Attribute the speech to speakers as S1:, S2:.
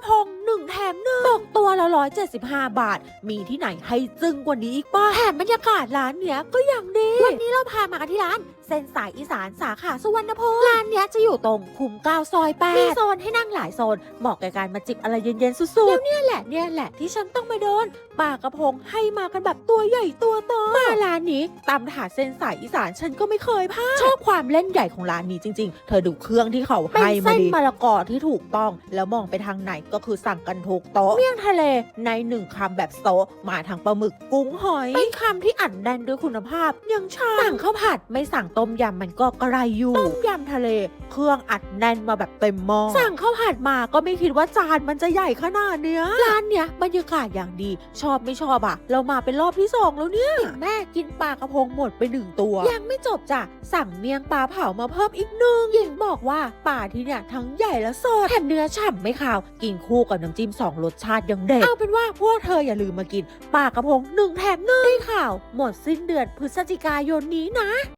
S1: พง1 แถม 1ตกตัวละ175 บาทมีที่ไหนให้จึ้งกว่านี้อีกป่ะแถมบรรยากาศร้านเนี้ยก็อย่างดีวันนี้เราพามากันที่ร้านเส้นสายอีสานสาขาสุวรรณภูมิร้านเนี้ยจะอยู่ตรงคุ้ม9 ซอย 8มีโซนให้นั่งหลายโซนเหมาะกับการมาจิบอะไรเย็นๆสุดๆแล้วเนี่ยแหละที่ฉันต้องมาโดนปลากระพงให้มากันแบบตัวใหญ่ตัวโตมาร้านนี้ตำถาดเส้นสายอีสานฉันก็ไม่เคยพลาดชอบความเล่นใหญ่ของร้านนี้จริงๆเธอดูเครื่องที่เขาให้มาดีเป็นเส้นมะละกอที่ถูกต้องแล้วมองไปทางไหนก็คือสั่งกันทุกโต๊ะเมี่ยงทะเลใน1 คำแบบโซะมาทางปลาหมึกกุ้งหอยเป็นคำที่อัดแน่นด้วยคุณภาพยังชาสั่งข้าวผัดไม่สั่งต้มยำมันก็กระไรอยู่ต้มยำทะเลเครื่องอัดแน่นมาแบบเต็มหม้อสั่งข้าวผัดมาก็ไม่คิดว่าจานมันจะใหญ่ขนาดเนี้ยร้านเนี้ยบรรยากาศอย่างดีชอบไม่ชอบอะเรามาเป็นรอบที่2แล้วเนี่ยแม่กินปลากระพงหมดไป1 ตัวยังไม่จบจ้ะสั่งเมียงปลาเผามาเพิ่มอีก1หญิงบอกว่าปลาที่เนี่ยทั้งใหญ่และสดแถมเนื้อฉ่ำไม่ขาวกินคู่กับน้ำจิ้ม2 รสชาติยังเด็ดเอาเป็นว่าพวกเธออย่าลืมมากินปลากระพง1 แถม 1ได้ข่าวหมดสิ้นเดือนพฤศจิกายนนี้นะ